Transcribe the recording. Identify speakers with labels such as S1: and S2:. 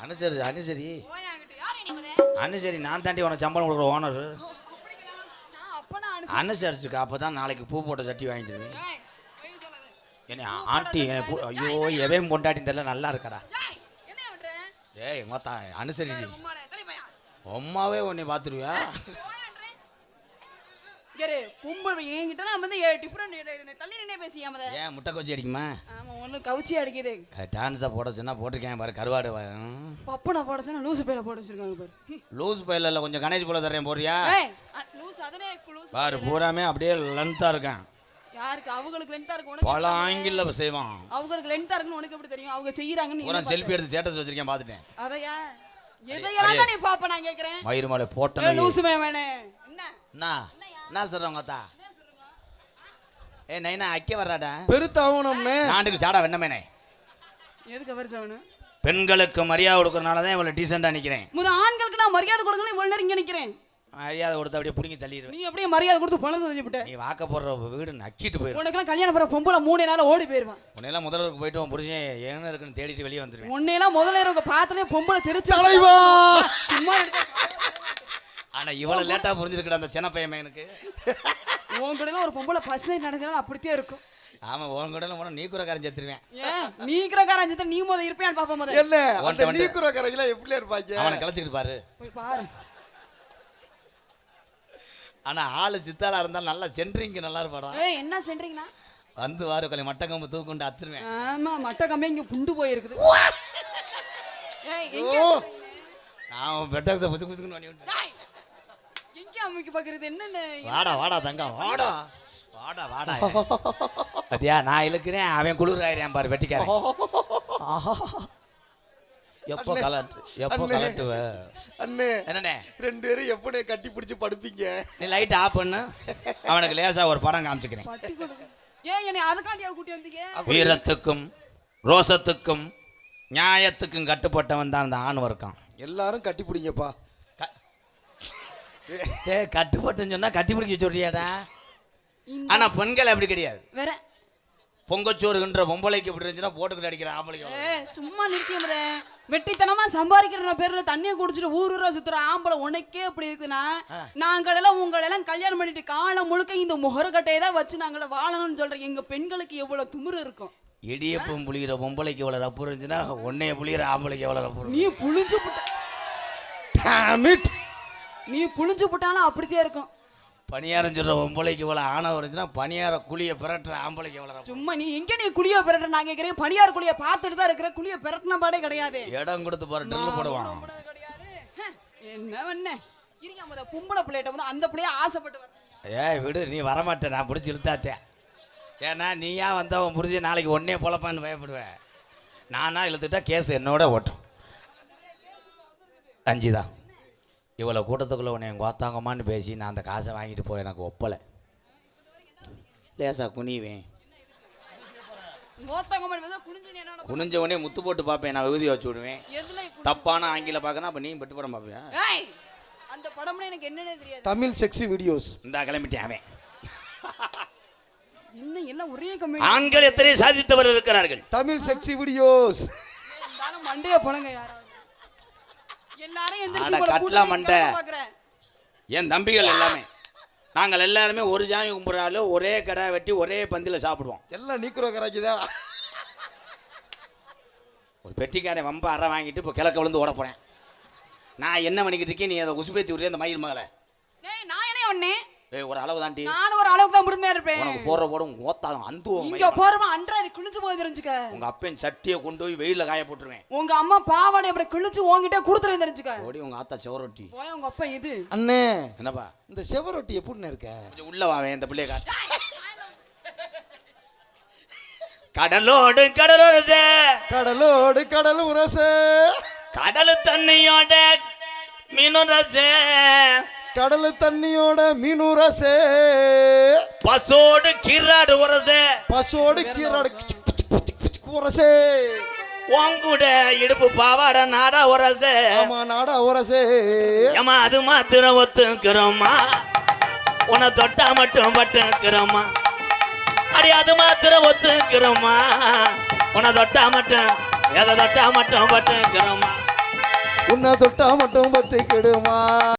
S1: அனுசரி அனுசரி அனுசரி நான் தாண்டி உனக்கு சம்பளம் கொடுக்குற ஓனர். அனுசரிச்சுக்கா, அப்பதான் நாளைக்கு பூ போட்ட சட்டி வாங்கிடுவேன். என்ன ஆண்டி ஐயோ எவையும் பொண்டாட்டி தெரியல நல்லா இருக்கடா. ஏய் மொத்தா அனுசரி அம்மாவே உன்னை பார்த்துருவியா? ஏன் முட்டை கோச்சி அடிக்குமா?
S2: கவுச்சி அடிக்குது.
S1: டான்ஸை போட சொன்னா போட்டிருக்கேன் பாரு. கருவாடு
S2: பப்பனை போட சொன்னா லூசு பையில போட வச்சிருக்காங்க பாரு.
S1: லூஸ் பையில இல்லை, கொஞ்சம் கணேஷ் போல தரேன் போறியா பாரு. பூராமே அப்படியே லென்த்தா இருக்கான்.
S2: யாருக்கு? அவங்களுக்கு லென்த்தா இருக்கு. உனக்கு
S1: பல ஆங்கிள் செய்வான்.
S2: அவங்களுக்கு லென்த்தா இருக்குன்னு உனக்கு எப்படி தெரியும்? அவங்க செய்யறாங்கன்னு
S1: ஒரு செல்ஃபி எடுத்து ஸ்டேட்டஸ் வச்சிருக்கேன் பாத்துட்டேன்.
S2: அதையா எதையெல்லாம் தான் நீ பாப்ப நான் கேக்குறேன்.
S1: மயிறு மேல போட்டனே
S2: லூசுமே வேணே.
S1: என்ன சொல்றோம் கத்தா? ஏ நைனா அக்கே வர்றாடா
S3: பெருத்தாவணும்னே
S1: நாண்டுக்கு சாடா வெண்ணமேனே.
S2: எதுக்கு பெருசாவணும்?
S1: பெண்களுக்கு மரியாதை கொடுக்கறனால தான் இவ்வளவு டீசெண்டா நிக்கிறேன்.
S2: ஆண்களுக்கு நான் மரியாதை கொடுக்கணும் இவ்வளவு நேரம் இங்க நிக்கிறேன்.
S1: மரியாதை கொடுத்து அப்படியே புடிங்கி தள்ளிடுவேன்.
S2: நீ அப்படியே மரியாதை கொடுத்து பணம் தள்ளி விட்ட.
S1: நீ வாக்க போடுற வீடு நக்கிட்டு போயிரு.
S2: உனக்கெல்லாம் கல்யாணம் பண்ண பொம்பளை 3 நாள் ஓடி போயிருவான்.
S1: உன்னையெல்லாம் முதல்வருக்கு போயிட்டு உன் புருஷன் என்ன இருக்குன்னு தேடிட்டு வெளியே வந்துருவேன்.
S2: உன்னையெல்லாம் முதல்ல இருக்க பாத்தலே பொம்பளை தெரிச்சு
S3: தலைவா.
S2: சும்மா
S1: ஆனா இவ்வளவு லேட்டா புரிஞ்சிருக்கடா அந்த சின்ன பையன் எனக்கு.
S2: உன் கூட ஒரு பொம்பளை ஃபர்ஸ்ட் நைட் நடந்தா அப்படியே இருக்கும்.
S1: ஆமா உன் கூட போனா நீ குறக்காரன் செத்துருவேன்.
S2: ஏன் நீ குறக்காரன் செத்து நீ மொத இருப்பியான்னு பாப்ப மொத.
S3: இல்ல அந்த நீ குறக்காரங்கள எப்படி இருப்பாங்க?
S1: அவனை கலச்சிட்டு பாரு.
S2: போய் பாரு.
S1: ஆனா ஆளு சித்தாளா இருந்தா நல்லா சென்ட்ரிங் நல்லா இருப்பாடா.
S2: ஏய் என்ன சென்ட்ரிங்னா?
S1: வந்து வாரு கொலை மட்ட கம்பு தூக்குண்டு அத்துருவேன்.
S2: ஆமா மட்ட கம்பே இங்க புண்டு போய் இருக்குது. ஏய் எங்க?
S1: நான் பெட்டக்ஸ புச்சு புச்சுன்னு பண்ணி விட்டேன்.
S2: டேய் எங்க அம்மிக்கு பாக்குறது என்னன்னு?
S1: வாடா தங்கம் வாடா. அத்தியா நான் இழுக்கிறேன் அவன் குளிராயிரேன் பாரு வெட்டிக்காரன். எப்போ கலட்டுவ
S3: அண்ணே?
S1: என்னண்ணே
S3: ரெண்டு பேரும் எப்படி கட்டி பிடிச்சு படுப்பீங்க?
S1: நீ லைட் ஆஃப் பண்ணு. அவனுக்கு லேசா ஒரு படம் காமிச்சுக்கிறேன்.
S2: ஏன் என்னை அதுக்காண்டியா கூட்டி வந்தீங்க?
S1: வீரத்துக்கும் ரோசத்துக்கும் நியாயத்துக்கும் கட்டுப்பட்டவன் தான் அந்த ஆண் வர்க்கம்.
S3: எல்லாரும் கட்டி பிடிங்கப்பா.
S1: கட்டுப்பட்டுன்னு சொன்னா கட்டி பிடிக்க சொல்றியாடா? ஆனா பெண்கள் அப்படி கிடையாது.
S2: வேற
S1: பொங்கச்சோறுன்ற பொம்பளைக்கு எப்படி இருந்துச்சுன்னா போட்டுக்கிட்டு அடிக்கிற ஆம்பளைக்கு.
S2: சும்மா நிறுத்தியமதே வெட்டித்தனமா சம்பாதிக்கிற பேர்ல தண்ணியை குடிச்சிட்டு ஊரூரா சுத்துற ஆம்பளை உனக்கே அப்படி இருக்குன்னா நாங்களெல்லாம் உங்களெல்லாம் கல்யாணம் பண்ணிட்டு காலம் முழுக்க இந்த முகரக்கட்டையை தான் வச்சு நாங்கள வாழணும்னு சொல்றேன். எங்க பெண்களுக்கு எவ்வளவு திமிரு இருக்கும்.
S1: இடியப்பம் புளிகிற பொம்பளைக்கு எவ்வளவு ரப்பு இருந்துச்சுன்னா உன்னைய புளிகிற ஆம்பளைக்கு எவ்வளவு ரப்பு.
S2: நீ புளிஞ்சு நீ புளிஞ்சு போட்டாலும் அப்படித்தான் இருக்கும்.
S1: பணியாரம் சொல்ற பொம்பளைக்கு இவ்வளவு ஆணவம் இருந்துச்சுன்னா பணியார குழிய பிரட்டுற ஆம்பளைக்கு எவ்வளவு.
S2: சும்மா நீ எங்க நீ குழிய பிரட்ட நான் கேட்கிறேன். பணியார குழிய பார்த்துட்டு தான் இருக்கிற. குழிய பிரட்டின பாடே கிடையாது.
S1: இடம் கொடுத்து பாரு ட்ரில் போடுவான்.
S2: என்ன பண்ண இருங்க முத பொம்பளை பிள்ளைகிட்ட வந்து அந்த பிள்ளைய ஆசைப்பட்டு வர.
S1: ஏய் விடு நீ வரமாட்டே. நான் பிடிச்சி இழுத்தாத்தேன். ஏன்னா நீயா வந்தவன் புரிஞ்சு நாளைக்கு ஒன்னே பொழப்பான்னு பயப்படுவேன். நானா இழுத்துட்டா கேஸ் என்னோட ஓட்டும். அஞ்சுதான் இவ்வளோ கூட்டத்துக்குள்ளே உன்னை எங்கள் கோத்தாங்கம்மான்னு பேசி நான் அந்த காசை வாங்கிட்டு போய் எனக்கு ஒப்பலை. லேசா குனிவேன். குனிஞ்ச உடனே முத்து போட்டு பார்ப்பேன். நான் விபூதி வச்சு விடுவேன். தப்பான ஆங்கில பார்க்கணும். அப்போ நீ பெட்டு படம் பார்ப்பியா?
S2: அந்த படம்னா எனக்கு என்னன்னே தெரியாது.
S3: தமிழ் செக்ஸி வீடியோஸ்
S1: இந்த கிளம்பிட்டேன் அவன்.
S2: இன்னும் எல்லாம் ஒரே கம்மி.
S1: ஆண்கள் எத்தனை சாதித்தவர் இருக்கிறார்கள்.
S3: தமிழ் செக்ஸி வீடியோஸ்
S2: மண்டைய போனங்க யாராவது எல்லாரும்
S1: என் தம்பிகள் எல்லாமே நாங்கள் எல்லாருமே ஒரு சாமி கும்பிட்றாலும் ஒரே கடை வெட்டி ஒரே பந்தியில் சாப்பிடுவோம்.
S3: எல்லாம் நீக்குற கராக்கிதா.
S1: ஒரு பெட்டிக்காரன் வம்ப அரை வாங்கிட்டு இப்போ கிழக்க விழுந்து ஓட போறேன். நான் என்ன பண்ணிக்கிட்டு இருக்கேன்? நீ அதை உசுபேத்தி விடுற அந்த மயில் மகளை.
S2: நான் என்ன ஒண்ணே
S1: ஒரு அளவு தாண்டி
S2: நான் ஒரு அளவுக்கு தான் முழுமையா இருப்பேன்.
S1: உனக்கு போற போடும் ஓத்தாகும் அந்துவோம்.
S2: இங்க போறமா அன்றாரி குளிச்சு போய் தெரிஞ்சுக்க.
S1: உங்க அப்பன் சட்டியை கொண்டு போய் வெயில காய போட்டுருவேன்.
S2: உங்க அம்மா பாவாடை அப்புறம் கிழிச்சு உங்ககிட்ட கொடுத்துரு தெரிஞ்சுக்க.
S1: ஓடி உங்க ஆத்தா செவரொட்டி
S2: போய் உங்க அப்பா இது
S3: அண்ணே.
S1: என்னப்பா
S3: இந்த செவரொட்டி எப்படின்னு இருக்க?
S1: கொஞ்சம் உள்ள வாவேன் இந்த பிள்ளைய காட்டு. கடலோடு கடலுரசே
S3: கடலோடு கடல் உரசே
S1: கடல் தண்ணியோட மீனுரசே
S3: கடல் தண்ணியோட மீனுரசே
S1: பசோடு கீராடு உரசே
S3: பசோடு கீராடு உரசே
S1: உங்கூட இடுப்பு பாவாட நாடா உரசே.
S3: ஆமா நாடா உரசே.
S1: ஏமா அது மாத்திரம் ஒத்துக்கிறோமா? உன்னை தொட்டா மட்டும் பட்டுக்கிறோமா? அடி அது மாத்திரம் ஒத்துக்கிறோமா? உன்னை தொட்டா மட்டும் எதை தொட்டா மட்டும் பட்டுக்கிறோமா?
S3: உன்னை தொட்டா மட்டும் பத்திக்கிடுமா